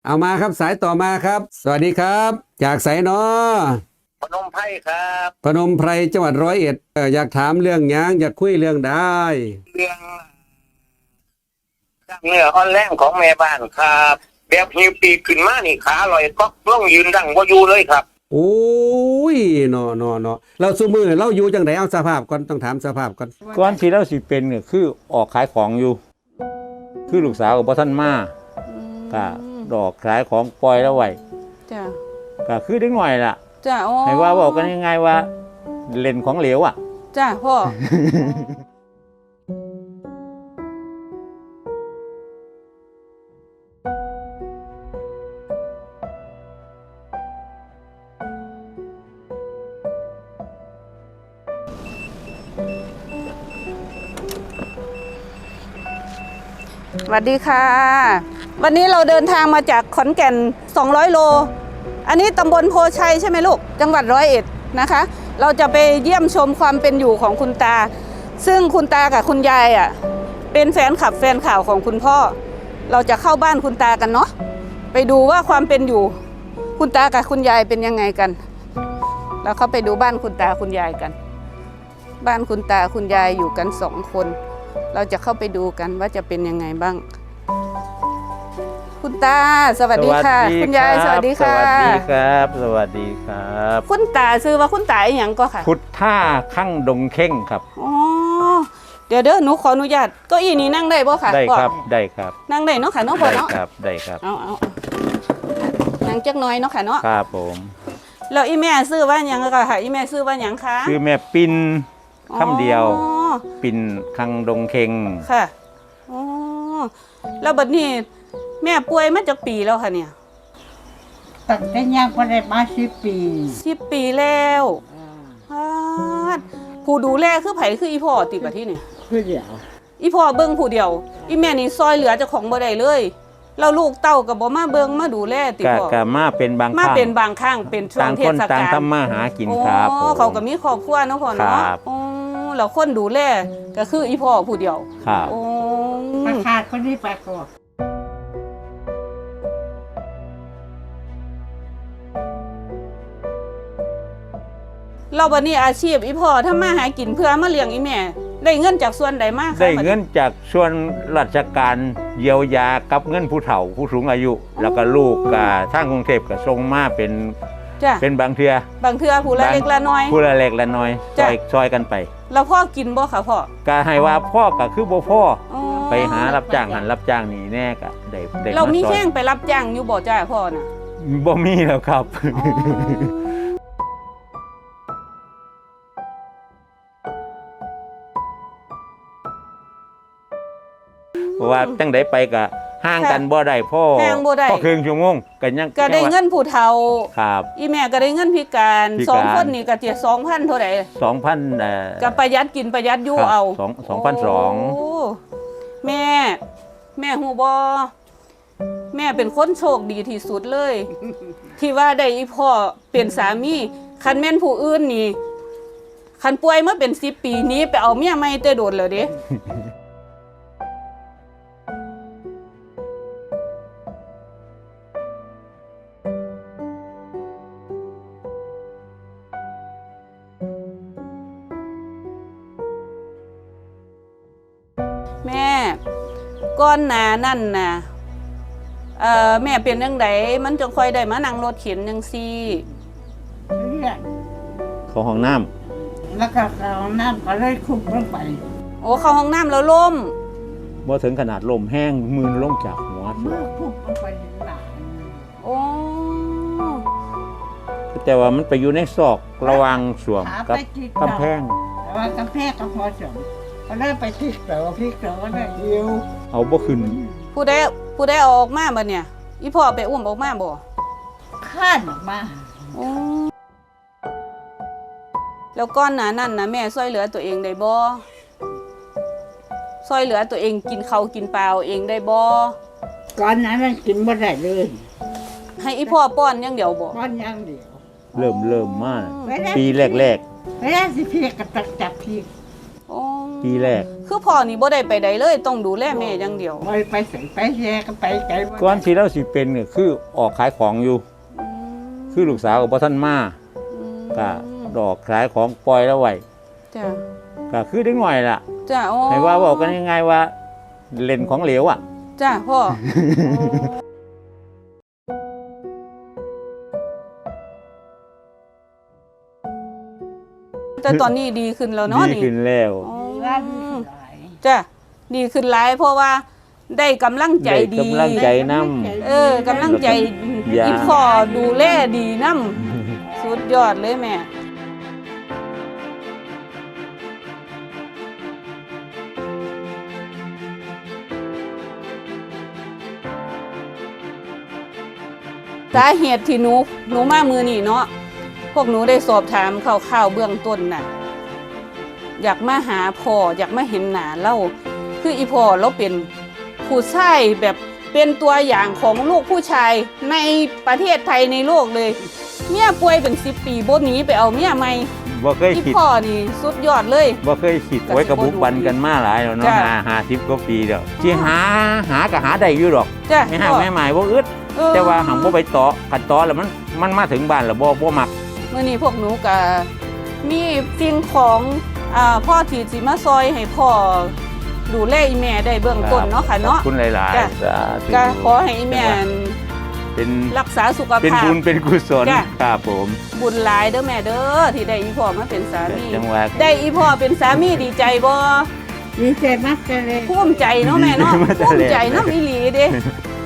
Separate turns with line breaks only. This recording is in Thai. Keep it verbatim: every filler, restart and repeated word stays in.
เอามาครับสายต่อมาครับ สวัสดีครับจากไสนอ
พนมไพรครับ
พนมไพรจังหวัดร้อยเอ็ดเอ่ออยากถามเรื่องหยังอยากคุยเรื่องได้
เรื่องกล้ามเนื้ออ่อนแรงของแม่บ้านครับแบบหิวปีกขึ้นมานี่ขาลอยก็ล่องยืนดังบ่อยู่เลยครับ
โอ้ยเนาะเนาะเนาะเราซุมือเราอยู่จังไดเอาสภาพก่อนต้องถามสภาพก่อน
ก่อนที่เราสิเป็นก็คือออกขายของอยู่คือลูกสาวกับพ่อท่านมาก็ดอกขายของปล่อยแล้วไว้
จ้ะ
ก็คือเด็กหน่อยล่ะ
จ้ะอ๋อ
ให้ว่าบอกกันยังไงว่าเล่นของเหลวอ่ะ
จ้ะพ่อสวัสดีค่ะวันนี้เราเดินทางมาจากขอนแก่นสองร้อยโลอันนี้ตำบลโพชัยใช่ไหมลูกจังหวัดร้อยเอ็ดนะคะเราจะไปเยี่ยมชมความเป็นอยู่ของคุณตาซึ่งคุณตากับคุณยายอ่ะเป็นแฟนคลับแฟนข่าวของคุณพ่อเราจะเข้าบ้านคุณตากันเนาะไปดูว่าความเป็นอยู่คุณตากับคุณยายเป็นยังไงกันเราเข้าไปดูบ้านคุณตาคุณยายกันบ้านคุณตาคุณยายอยู่กันสองคนเราจะเข้าไปดูกันว่าจะเป็นยังไงบ้างคุณตาสวัสดีค่ะคุณยายสวัสดีค่ะ
สวัสดีครับสวัสดีครับ
คุณตาซื้อว่าคุณตาอย่างก็ค่ะ
พุทธาข้างดงเข่งครับ
อ๋อเดี๋ยวเด้อหนูขออนุญาตเก้าอี้นี้นั่งได้บ่ค่ะ
ได้ครับได้ครับ
นั่งได้เนาะค่ะเนาะพ่อเนาะ
ได้ครับได้ครับ
เอาเอานั่งจักน้อยเนาะค่ะเนาะ
ครับผม
แล้วอีแม่ซื้อว่าหยังก็ค่ะอีแม่ซื้อว่าหยังคะ
ซื้อแม่ปินคำเดียวปินข้างดงเข่ง
ค่ะอ๋อแล้วบัดนี้แม่ป่วยมาจากปีแล้วค่ะเนี่ย
ตั้งแต่ยังบ่ได้มาสิบปี
สิบปีแล้วผู้ดูแลคือไผคืออีพ่อติบัดที่นี่
คือเดียว
อีพ่อเบิ่งผู้เดียวอีแม่นี่ซอยเหลือเจ้าของบ่ได้เลยแล้วลูกเต้าก็บ่มาเบิ่งมาดูแลติพ่อ
ก็มาเป็นบางครั้ง
มาเป็นบางครั้งเป็นช่วงเทศกาล
ต่างคนต่างทำมาหากินครับ
อ๋อเขาก็มีครอบครัวเนาะพ่อเนาะอ๋อแล้วคนดูแลก็คืออีพ่อผู้เดียว
ครับ
อ๋อ
มาขาดคนนี้ไปก่อน
เราบัดนี้อาชีพอีพ่อทำมาหากินเพื่อมาเลี้ยงอีแม่ได้เงินจากส่วนใดมาคะ
ได้เงินจากส่วนราชการเยียวยากับเงินผู้เฒ่าผู้สูงอายุ แล้วก็ลูกก็ทางกรุงเทพก็ส่งมาเป็นเป็นบางเทื่อบ
างเทื่อผู้ละเล็กละน้อย
ผู้ละเล็กละน้อยซอยซอยกันไป
แล้วพ่อกินบ่คะพ่อ
ก็ให้ว่าพ่อก็คือบ่พ่อไปหารับจ้างหันรับจ้างนี่แน่ก็ได้ได้
เรามีแข้งไปรับจ้างอยู่บ่จ้าพ่อน่ะ
บ่มีแล้วครับเพราะว่าจังไดไปก็ห่างกันบ่ได้พ่อพ่อครึ่งชั่วโมงก็ยัง
ก็ได้เงินผู้เฒ่า
ครับ
อีแม่ก็ได้เงินพิการสองคนนี่ก็เจ็ด สองพัน เท่าใด
สองพัน เอ่อ
ก็ประหยัดกินประหยัดอยู่เอา
สอง สองพันสองร้อย
โอ้แม่แม่ฮู้บ่แม่เป็นคนโชคดีที่สุดเลยที่ว่าได้อีพ่อเป็นสามีคันแม่นผู้อื่นนี่คันป่วยมาเป็นสิบปีนี้ไปเอาเมียใหม่แต่โดนแล้วเด้แม่ก้อนหนานั่นน่ะเอ่อแม่เป็นจังไดมันจังค่อยได้มานั่งรถเข็นจังซี่
เลือด
เข้าห้องน้ำ
แล้วก็เข้าห้องน้ำก็เลยคุบลงไป
โอ้เข้าห้องน้ำแล้วล้ม
บ่ถึงขนาดลมแห้งมือลงจากหัว
มือคุบลงไปถึงหลัง
โอ้
แต่ว่ามันไปอยู่ในซอกระหว่างสวมกับกำแพง
แต่ว่ากำแพงก็พอสมก็ได้ไปพลิกเต๋อพลิกเต๋อก็ได้เดียว
เอาบ่ขึ้น
ผู้ใดผู้ใดเอาออกมาบ่เนี่ยอีพ่อไปอุ้มออกมาบ่
ข้านออกมา
แล้วก้อนหนานั่นนะแม่ช่วยเหลือตัวเองได้บ่ช่วยเหลือตัวเองกินข้าวกินปลาเองได้บ่
ก้อนนั้นมันกินบ่ได้เลย
ให้อีพ่อป้อนอย่างเดียวบ่
ป้อนอย่างเดียว
เริ่มเริ่มมากปีแรก
ๆไม่ได้สิพลิกกับจับพลิก
อ๋อ
ปีแรก
คือพ่อนี่บ่ได้ไปใดเลยต้องดูแลแม่อย่างเดียว
ไปไปใส่ไปแย่ก็ไปไกลว่า
ก่อนที่เราสิเป็นก็คือออกขายของอยู่ คือลูกสาวกับพ่อท่านมาก็ดอกขายของปล่อยแล้วไว้
จ้ะ
ก็คือเด็กหน่อยล่ะ
จ้ะโอ้
ให้ว่าบอกกันยังไงว่าเล่นของเหลวอ่ะ
จ้ะพ่อ แต่ตอนนี้ดีขึ้นแล้วเนาะ
ดี
นี่
ขึ้นแล้ว
อ๋อ
ว่าดีหลาย
จ้ะดีขึ้นหลายเพราะว่าได้กำลังใจ
ได้
ดี
กำลังใจน้
เออกำลังใจ
ยา
อีพ่อดูแลดีน้ำสุดยอดเลยแม่ สาเหตุที่หนูหนูมามือนี่เนาะพวกหนูได้สอบถามข่าวๆเบื้องต้นน่ะ อยากมาหาพ่ออยากมาเห็นหน้าเล่าคืออีพ่อเราเป็นผู้ชายแบบเป็นตัวอย่างของลูกผู้ชายในประเทศไทยในโลกเลย เมียป่วยเป็นสิบปีบ่หนีไปเอาเมียใหม่
ำบ่เคย
อี
คิด
พ่อนี่สุดยอดเลย
บ่เคยคิดไว้กับบุกบันกันมาหลายแล้วเนาะ
จ้ะ
หาหาสิบกว่าปีแล้วที่หาหาก็หาได้อยู่หรอก
จ้ะ
ไม่ห่าง
พ่อ
ไม่หมายบ่อึด
เออ
แต่ว่าหังบ่ไปต่อขัดต่อแล้วมันมันมาถึงบ้านแล้วบ่บ่มัก
มื่อนี้พวกหนูก็มีสิ่งของอ่าพ่อที่สิมาซอยให้พ่อดูแลอีแม่ได้เบื้องต้นเนาะค่ะเนาะ
ขอบคุณหลาย
จ้ะ
ๆสาธุ
ก็ขอให้อีแม่
เป็น
รักษาสุข
เป็น
ภาพ
บุญเป็นกุศล
จ้ะ
ครับผม
บุญหลายเด้อแม่เด้อที่ได้อีพ่อมาเป็นสามี
จังหวะ
ได้อีพ่อเป็นสามีดีใจบ่
ดีใจมากเลย
ภูมิใจเนาะแม่เนาะ
ดีใจมากเลย
ภูมิใจเนาะอีหลีเด้